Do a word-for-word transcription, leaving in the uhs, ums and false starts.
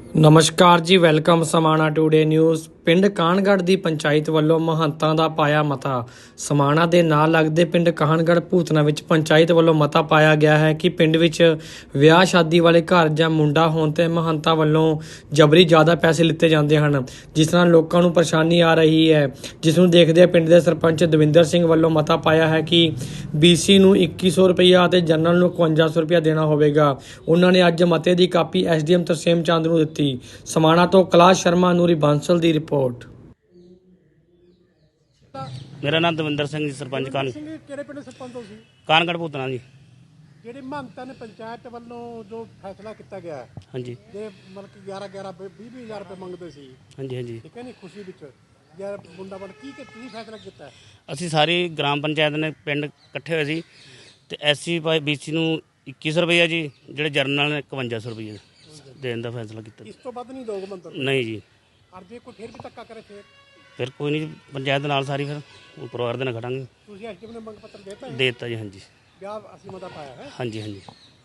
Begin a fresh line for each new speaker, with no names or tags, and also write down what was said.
ਨਮਸਕਾਰ ਜੀ, welcome Samana today news. ਪਿੰਡ ਕਾਹਨਗੜ੍ਹ ਦੀ ਪੰਚਾਇਤ ਵੱਲੋਂ ਮਹੰਤਾਂ ਦਾ ਪਾਇਆ ਮਤਾ। ਸਮਾਣਾ ਦੇ ਨਾਲ ਲੱਗਦੇ ਪਿੰਡ ਕਾਹਨਗੜ੍ਹ ਭੂਤਨਾ ਵਿੱਚ ਪੰਚਾਇਤ ਵੱਲੋਂ ਮਤਾ ਪਾਇਆ ਗਿਆ ਹੈ ਕਿ ਪਿੰਡ ਵਿੱਚ ਵਿਆਹ ਸ਼ਾਦੀ ਵਾਲੇ ਘਰ ਜਾਂ ਮੁੰਡਾ ਹੋਣ ਤੇ ਮਹੰਤਾਂ ਵੱਲੋਂ ਜਬਰੀ ਜ਼ਿਆਦਾ ਪੈਸੇ ਲਿੱਤੇ ਜਾਂਦੇ ਹਨ, ਜਿਸ ਨਾਲ ਲੋਕਾਂ ਨੂੰ ਪਰੇਸ਼ਾਨੀ ਆ ਰਹੀ ਹੈ। ਜਿਸ ਨੂੰ ਦੇਖਦੇ ਪਿੰਡ ਦੇ ਸਰਪੰਚ ਦਵਿੰਦਰ ਸਿੰਘ ਵੱਲੋਂ ਮਤਾ ਪਾਇਆ ਹੈ ਕਿ ਬੀਸੀ ਨੂੰ ਇੱਕੀ ਸੌ ਰੁਪਈਆ ਅਤੇ ਜਨਰਲ ਨੂੰ ਇਕਵੰਜਾ ਸੌ ਰੁਪਈਆ ਦੇਣਾ ਹੋਵੇਗਾ। ਉਹਨਾਂ ਨੇ ਅੱਜ ਮਤੇ ਦੀ ਕਾਪੀ ਐਸਡੀਐਮ ਤਰਸੇਮ ਚੰਦ ਨੂੰ ਦਿੱਤੀ। ਸਮਾਣਾ ਤੋਂ ਕੈਲਾਸ਼ ਸ਼ਰਮਾ, ਨੂਰੀ ਬਾਂਸਲ ਦੀ ਰਿਪੋਰਟ।
ਮੇਰਾ ਨਾਮ ਦਵਿੰਦਰ ਸਿੰਘ ਜੀ, ਸਰਪੰਚ ਕਾਨ
ਕਿਹੜੇ ਪਿੰਡ ਸਰਪੰਚ ਹੋ ਸੀ?
ਕਾਹਨਗੜ੍ਹ ਭੂਤਨਾ ਜੀ।
ਜਿਹੜੇ ਮਹੰਤਾਂ ਨੇ ਪੰਚਾਇਤ ਵੱਲੋਂ ਜੋ ਫੈਸਲਾ ਕੀਤਾ ਗਿਆ
ਹਾਂਜੀ
ਜੇ ਮਤਲਬ ਕਿ ਗਿਆਰਾਂ ਗਿਆਰਾਂ ਵੀਹ ਵੀਹ ਹਜ਼ਾਰ ਰੁਪਏ ਮੰਗਦੇ ਸੀ,
ਹਾਂਜੀ ਹਾਂਜੀ
ਠੀਕ ਹੈ ਨੀ, ਖੁਸ਼ੀ ਵਿੱਚ ਯਾਰ ਮੁੰਡਾ ਬਣ ਕੀ ਕਿ ਕੀ ਫੈਸਲਾ ਕੀਤਾ?
ਅਸੀਂ ਸਾਰੀ ਗ੍ਰਾਮ ਪੰਚਾਇਤ ਨੇ ਪਿੰਡ ਇਕੱਠੇ ਹੋਏ ਸੀ ਤੇ ਐਸਸੀ ਬਾਈ ਬੀਸੀ ਨੂੰ ਇੱਕੀ ਸੌ ਰੁਪਈਆ ਜੀ, ਜਿਹੜੇ ਜਰਨਲ ਨੇ ਇਕਵੰਜਾ ਸੌ ਰੁਪਈਆ ਦੇਣ ਦਾ ਫੈਸਲਾ ਕੀਤਾ।
ਇਸ ਤੋਂ ਵੱਧ ਨਹੀਂ ਦੋਗੇ ਮੰਤਰ?
ਨਹੀਂ ਜੀ।
ਔਰ ਜੇ ਕੋਈ ਫਿਰ ਵੀ ਧੱਕਾ ਕਰੇ ਫਿਰ
ਫਿਰ ਕੋਈ ਨਹੀਂ, ਪੰਚਾਇਤ ਦੇ ਨਾਲ ਸਾਰੀ ਫਿਰ ਉਹ ਪਰਿਵਾਰ ਦੇ ਨਾਲ ਖੜਾਂਗੇ।
ਤੁਸੀਂ ਐਸਡੀਐਮ ਨੇ ਮੰਗ ਪੱਤਰ ਦੇਤਾ?
ਦੇ ਦਿੱਤਾ ਜੀ। ਹਾਂਜੀ
ਵਿਆਹ ਅਸੀਂ ਮਤਾ ਪਾਇਆ ਹੈ।
ਹਾਂਜੀ ਹਾਂਜੀ।